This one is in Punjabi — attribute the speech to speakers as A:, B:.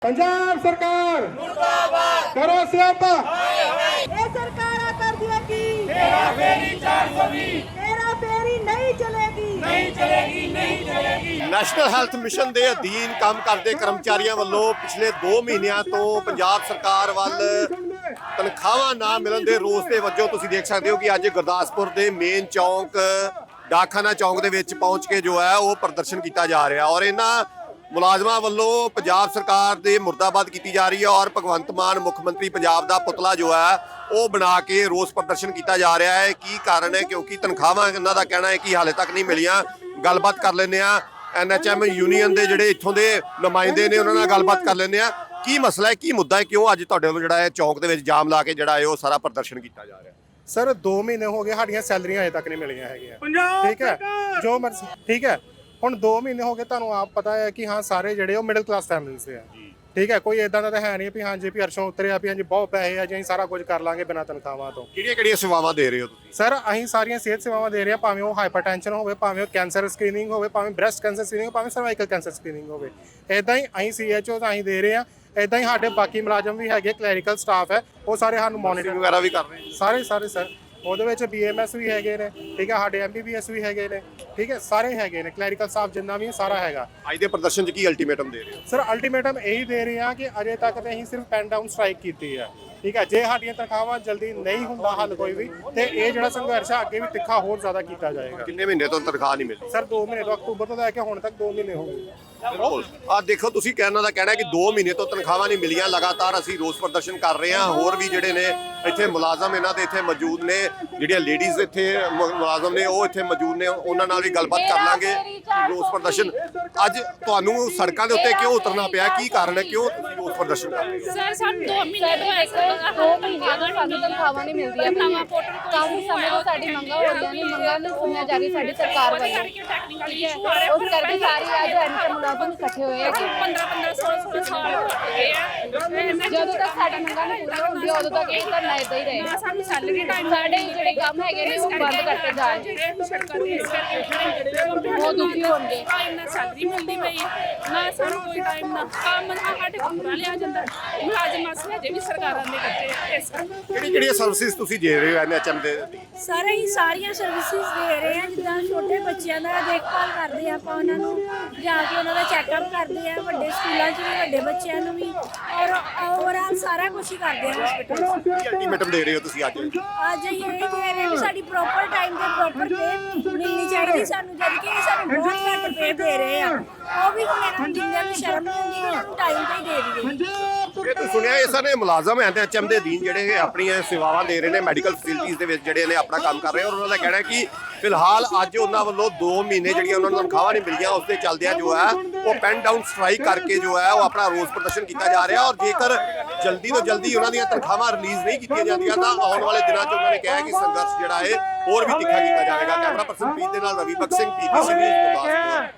A: पंजाब सरकार मुर्दाबाद करो स्यापा
B: ये सरकारां कर दिया की
C: तेरा फेरी 420
B: तेरा फेरी नहीं चलेगी
D: ਨੈਸ਼ਨਲ ਹੈਲਥ ਮਿਸ਼ਨ ਦੇ ਅਧੀਨ ਕੰਮ ਕਰਦੇ ਕਰਮਚਾਰੀਆਂ ਵੱਲੋਂ ਪਿਛਲੇ 2 ਮਹੀਨਿਆਂ ਤੋਂ ਪੰਜਾਬ ਸਰਕਾਰ ਵੱਲ ਤਨਖਾਹਾਂ ਨਾ ਮਿਲਣ ਦੇ ਰੋਸ ਦੇ ਵਜੋਂ ਤੁਸੀਂ ਦੇਖ ਸਕਦੇ ਹੋ ਕਿ ਅੱਜ ਗੁਰਦਾਸਪੁਰ ਦੇ ਮੇਨ ਚੌਂਕ ਡਾਕਖਾਨਾ ਚੌਂਕ ਦੇ ਵਿੱਚ ਪਹੁੰਚ ਕੇ ਜੋ ਹੈ ਉਹ ਪ੍ਰਦਰਸ਼ਨ ਕੀਤਾ ਜਾ ਰਿਹਾ ਔਰ ਇਹਨਾਂ ਮੁਲਾਜ਼ਮਾਂ ਵੱਲੋਂ ਪੰਜਾਬ ਸਰਕਾਰ ਦੇ ਮੁਰਦਾਬਾਦ ਕੀਤੀ ਜਾ ਰਹੀ ਹੈ ਔਰ ਭਗਵੰਤ ਮਾਨ ਮੁੱਖ ਮੰਤਰੀ ਪੰਜਾਬ ਦਾ ਪੁਤਲਾ ਜੋ ਹੈ ਉਹ ਬਣਾ ਕੇ ਰੋਸ ਪ੍ਰਦਰਸ਼ਨ ਕੀਤਾ ਜਾ ਰਿਹਾ ਹੈ। ਕੀ ਕਾਰਨ ਹੈ? ਕਿਉਂਕਿ ਤਨਖਾਹਾਂ ਇਹਨਾਂ ਦਾ ਕਹਿਣਾ ਹੈ ਕਿ ਹਾਲੇ ਤੱਕ ਨਹੀਂ ਮਿਲੀਆਂ। ਗੱਲਬਾਤ ਕਰ ਲੈਂਦੇ ਆ NHM ਯੂਨੀਅਨ ਦੇ ਜਿਹੜੇ ਇੱਥੋਂ ਦੇ ਨੁਮਾਇੰਦੇ ਨੇ ਉਹਨਾਂ ਨਾਲ ਗੱਲਬਾਤ ਕਰ ਲੈਂਦੇ ਆ। ਕੀ ਮਸਲਾ ਹੈ, ਕੀ ਮੁੱਦਾ ਹੈ, ਕਿਉਂ ਅੱਜ ਤੁਹਾਡੇ ਵੱਲੋਂ ਜਿਹੜਾ ਹੈ ਚੌਂਕ ਦੇ ਵਿੱਚ ਜਾਮ ਲਾ ਕੇ ਜਿਹੜਾ ਹੈ ਉਹ ਸਾਰਾ ਪ੍ਰਦਰਸ਼ਨ ਕੀਤਾ ਜਾ ਰਿਹਾ?
A: सर 2 महीने हो गए साड़ियां सैलरियां अजे तक नहीं मिलियां हैगियां ठीक है जो मर्जी ठीक है ਹੁਣ 2 ਮਹੀਨੇ ਹੋ ਗਏ ਤੁਹਾਨੂੰ ਆਪ ਪਤਾ ਹੈ ਕਿ ਹਾਂ ਸਾਰੇ ਜਿਹੜੇ ਉਹ ਮਿਡਲ ਕਲਾਸ ਫੈਮਿਲੀਜ਼ ਦੇ ਆ ਠੀਕ ਹੈ ਕੋਈ ਇਦਾਂ ਦਾ ਤਾਂ ਹੈ ਨਹੀਂ ਵੀ ਹਾਂਜੀ ਵੀ ਅਰਸ਼ੋਂ ਉਤਰਿਆ ਵੀ ਹਾਂਜੀ ਬਹੁਤ ਪੈਸੇ ਆ ਜੀ ਅਸੀਂ ਸਾਰਾ ਕੁਝ ਕਰ ਲਾਂਗੇ ਬਿਨਾਂ ਤਨਖਾਹਾਂ ਤੋਂ।
D: ਕਿਹੜੀਆਂ ਸੇਵਾਵਾਂ ਦੇ ਰਹੇ ਹੋ ਤੁਸੀਂ?
A: ਸਰ ਅਸੀਂ ਸਾਰੀਆਂ ਸਿਹਤ ਸੇਵਾਵਾਂ ਦੇ ਰਹੇ ਹਾਂ ਭਾਵੇਂ ਉਹ ਹਾਈਪਰਟੈਂਸ਼ਨ ਹੋਵੇ ਭਾਵੇਂ ਉਹ ਕੈਂਸਰ ਸਕਰੀਨਿੰਗ ਹੋਵੇ ਭਾਵੇਂ ਬ੍ਰੈਸਟ ਕੈਂਸਰ ਸਕਰੀਨਿੰਗ ਭਾਵੇਂ ਸਰਵਾਈਕਲ ਕੈਂਸਰ ਸਕਰੀਨਿੰਗ ਹੋਵੇ ਇਦਾਂ ਹੀ ਅਸੀਂ CHO ਅਸੀਂ ਦੇ ਰਹੇ ਹਾਂ। ਇਦਾਂ ਹੀ ਸਾਡੇ ਬਾਕੀ ਮੁਲਾਜ਼ਮ ਵੀ ਹੈਗੇ ਕਲੈਰੀਕਲ ਸਟਾਫ ਹੈ ਉਹ ਸਾਰੇ ਸਾਨੂੰ ਮੋਨੀਟਰ
D: ਵਗੈਰਾ ਵੀ ਕਰ ਰਹੇ
A: ਸਾਰੇ ਸਰ ਉਹਦੇ ਵਿੱਚ BMS ਵੀ ਹੈਗੇ ਨੇ ਠੀਕ ਹੈ ਸਾਡੇ MBBS ਵੀ ਹੈਗੇ ਨੇ ਠੀਕ ਹੈ ਸਾਰੇ ਹੈਗੇ ਨੇ ਕਲੈਰੀਕਲ ਸਟਾਫ ਜਿੰਨਾ ਵੀ ਸਾਰਾ ਹੈਗਾ।
D: ਅੱਜ ਦੇ ਪ੍ਰਦਰਸ਼ਨ 'ਚ ਕੀ ਅਲਟੀਮੇਟਮ ਦੇ ਰਹੇ ਹੋ?
A: ਸਰ ਅਲਟੀਮੇਟਮ ਇਹੀ ਦੇ ਰਹੇ ਆ ਕਿ ਅਜੇ ਤੱਕ ਤੇ ਅਸੀਂ ਸਿਰਫ ਪੈਨ ਡਾਊਨ ਸਟ੍ਰਾਈਕ ਕੀਤੀ ਹੈ ਠੀਕ ਹੈ। ਜੇ ਸਾਡੀਆਂ ਤਨਖਾਹਾਂ ਜਲਦੀ ਨਹੀਂ ਹੁੰਦਾ ਹੱਲ ਕੋਈ ਵੀ ਤੇ ਇਹ ਜਿਹੜਾ ਸੰਘਰਸ਼ ਆ ਅੱਗੇ ਵੀ ਤਿੱਖਾ ਹੋਰ ਜ਼ਿਆਦਾ ਕੀਤਾ ਜਾਏਗਾ।
D: ਕਿੰਨੇ ਮਹੀਨੇ ਤੋਂ ਤਨਖਾਹ ਨਹੀਂ ਮਿਲੀ?
A: ਸਰ 2 ਮਹੀਨੇ ਤੋਂ ਅਕਤੂਬਰ ਤੋਂ ਲੈ ਕੇ ਹੁਣ ਤੱਕ 2 ਮਹੀਨੇ ਹੋ ਗਏ।
D: ਬਿਲਕੁਲ ਆ ਦੇਖੋ ਤੁਸੀਂ ਕਹਿਣਾ ਦਾ ਕਹਿਣਾ ਕਿ 2 ਮਹੀਨੇ ਤੋਂ ਤਨਖਾਹਾਂ ਨਹੀਂ ਮਿਲੀਆਂ। ਲਗਾਤਾਰ ਅਸੀਂ ਰੋਸ ਪ੍ਰਦਰਸ਼ਨ ਕਰ ਰਹੇ ਹਾਂ। ਹੋਰ ਵੀ ਜਿਹੜੇ ਨੇ ਇੱਥੇ ਮੁਲਾਜ਼ਮ ਇਹਨਾਂ ਦੇ ਇੱਥੇ ਮੌਜੂਦ ਨੇ, ਜਿਹੜੀਆਂ ਲੇਡੀਜ਼ ਇੱਥੇ ਮੁਲਾਜ਼ਮ ਨੇ ਉਹ ਇੱਥੇ ਮੌਜੂਦ ਨੇ, ਉਹਨਾਂ ਨਾਲ ਵੀ ਗੱਲਬਾਤ ਕਰ ਲਾਂਗੇ। ਰੋਸ ਪ੍ਰਦਰਸ਼ਨ ਅੱਜ ਤੁਹਾਨੂੰ ਸੜਕਾਂ ਦੇ ਉੱਤੇ ਕਿਉਂ ਉਤਰਨਾ ਪਿਆ? ਕੀ ਕਾਰਨ ਹੈ, ਕਿਉਂ ਤੁਸੀਂ ਰੋਸ ਪ੍ਰਦਰਸ਼ਨ ਕਰ ਰਹੇ ਹੋ?
E: ਸਰ ਸਾਨੂੰ 2 ਮਹੀਨੇ ਤੋਂ ਸਾਨੂੰ ਤਨਖਾਹਾਂ ਨਹੀਂ ਮਿਲਦੀਆਂ ਪਈਆਂ। ਕਾਫੀ ਸਮੇਂ ਤੋਂ ਸਾਡੀ ਮੰਗਾਂ ਹੋ ਰਹੀਆਂ ਨੇ, ਮੰਗਾਂ ਨੂੰ ਸੁਣਿਆ ਜਾ ਰਹੀ ਸਾਡੀ ਸਰਕਾਰ ਵੱਲੋਂ। ਉਸ ਕਰਕੇ ਸਾਰੀ ਅੱਜ ਐਨਕੇ ਮੁਲਾਜ਼ਮ ਇਕੱਠੇ ਹੋਏ ਆ ਕਿ
C: 15 16 ਸਾਲ ਹੋ ਗਏ ਆ
E: ਜਦੋਂ ਤੱਕ ਸਾਡੀ ਮੰਗਾਂ ਨਹੀਂ ਪੂਰੀਆਂ ਹੁੰਦੀਆਂ ਉਦੋਂ ਤੱਕ ਇਹ ਧਰਨਾ ਏਦਾਂ ਹੀ ਰਹੇਗਾ।
C: ਸਾਨੂੰ ਸੈਲਰੀ ਟਾਈਮ
E: ਸਾਡੇ ਜਿਹੜੇ ਕੰਮ ਹੈਗੇ ਨੇ ਉਹ ਬੰਦ ਕਰਤੇ ਜਾ ਰਹੇ
C: ਜਿਹੜੇ ਸੜਕਾਂ ਦੇ ਇਸ ਕਰਕੇ
E: ਬਹੁਤ ਦੁਖੀ ਹੋਣਗੇ।
C: ਟਾਈਮ ਨਾਲ ਸੈਲਰੀ ਮਿਲਦੀ ਪਈ ਹੈ ਨਾ ਸਾਨੂੰ ਕੋਈ ਟਾਈਮ ਨਾ ਕੰਮ ਨਾ ਸਾਡੇ ਪੂਰਾ ਲਿਆ ਜਾਂਦਾ। ਮੁਲਾਜ਼ਮ ਅਸਲੇ ਜੇ ਵੀ ਸਰਕਾਰਾਂ ਨੇ ਕੱਟੇ ਇਸ
D: ਕਿਹੜੀਆਂ ਸਰਵਿਸਿਜ਼ ਤੁਸੀਂ ਦੇ ਰਹੇ ਹੋ NHM ਦੇ?
F: ਸਾਰੇ ਹੀ ਸਾਰੀਆਂ ਸਰਵਿਸਿਜ਼ ਦੇ ਰਹੇ ਆ। ਜਿੱਦਾਂ ਛੋਟੇ ਬੱਚਿਆਂ ਦਾ ਦੇਖਭਾਲ ਕਰਦੇ ਆ ਆਪਾਂ ਉਹਨਾਂ ਨੂੰ ਜਾ ਕੇ ਉਹਨਾਂ ਦਾ ਚੈੱਕਅਪ ਕਰਦੇ ਆ, ਵੱਡੇ ਸਕੂਲਾਂ 'ਚ ਵੀ ਵੱਡੇ ਬੱਚਿਆਂ ਨੂੰ ਵੀ ਔਰ ਓਵਰਆਲ ਸਾਰਾ ਕੁਝ ਹੀ ਕਰਦੇ ਆ ਹਸਪੀਟਲ 'ਚ।
D: ਕੀ ਅਲਟੀਮੇਟਮ ਦੇ ਰਹੇ ਹੋ ਤੁਸੀਂ ਅੱਜ?
F: ਅੱਜ ਅਸੀਂ ਇਹ ਕਹਿ ਰਹੇ ਵੀ ਸਾਡੀ ਪ੍ਰੋਪਰ ਟਾਈਮ ਤੇ ਪ੍ਰੋਪਰ ਪੇ ਮਿਲਣੀ ਚਾਹੀਦੀ ਸਾਨੂੰ, ਜਦ ਕਿ ਇਹ ਸਾਨੂੰ ਬਹੁਤ ਘੱਟ ਪੇ ਦੇ ਰਹੇ ਆ। ਉਹ ਵੀ ਹੁਣ ਇਹਨਾਂ ਨੂੰ ਜਿੰਦਿਆਂ ਨੂੰ ਸ਼ਰਮ ਨਹੀਂ ਆਉਂਦੀ ਇਹਨਾਂ ਨੂੰ ਟਾਈਮ ਤੇ ਹੀ ਦੇ ਦਈਏ।
D: ਇਹ ਤੁਸੀਂ ਸੁਣਿਆ ਇਹ ਸਾਰੇ ਮੁਲਾਜ਼ਮ NHM ਦੇ ਅਧੀਨ ਜਿਹੜੇ ਆਪਣੀਆਂ ਸੇਵਾਵਾਂ ਦੇ ਰਹੇ ਨੇ, ਮੈਡੀਕਲ ਫੈਸਿਲਿਟੀਜ਼ ਦੇ ਵਿੱਚ ਜਿਹੜੇ ਨੇ ਆਪਣਾ ਕੰਮ ਕਰ ਰਹੇ ਔਰ ਉਹਨਾਂ ਦਾ ਕਹਿਣਾ ਹੈ ਕਿ ਫਿਲਹਾਲ ਅੱਜ ਉਹਨਾਂ ਵੱਲੋਂ 2 ਮਹੀਨੇ ਜਿਹੜੀਆਂ ਉਹਨਾਂ ਨੂੰ ਤਨਖਾਹਾਂ ਨਹੀਂ ਮਿਲੀਆਂ ਉਸ ਦੇ ਚੱਲਦਿਆਂ ਜੋ ਹੈ ਉਹ ਪੈਨ ਡਾਊਨ ਸਟ੍ਰਾਈਕ ਕਰਕੇ ਜੋ ਹੈ ਉਹ ਆਪਣਾ ਰੋਸ ਪ੍ਰਦਰਸ਼ਨ ਕੀਤਾ ਜਾ ਰਿਹਾ ਔਰ ਜੇਕਰ ਜਲਦੀ ਤੋਂ ਜਲਦੀ ਉਹਨਾਂ ਦੀਆਂ ਤਨਖਾਹਾਂ ਰਿਲੀਜ਼ ਨਹੀਂ ਕੀਤੀਆਂ ਜਾਂਦੀਆਂ ਤਾਂ ਆਉਣ ਵਾਲੇ ਦਿਨਾਂ 'ਚ ਉਹਨਾਂ ਨੇ ਕਿਹਾ ਕਿ ਸੰਘਰਸ਼ ਜਿਹੜਾ ਹੈ ਹੋਰ ਵੀ ਤਿੱਖਾ ਕੀਤਾ ਜਾਵੇਗਾ। ਕੈਮਰਾ ਪਰਸਨ ਪ੍ਰੀਤ ਦੇ ਨਾਲ ਰਵੀ ਬਖਸ਼ ਸਿੰਘ PTC ਨਿਊਜ਼ ਗੁਰਦਾਸਪੁਰ।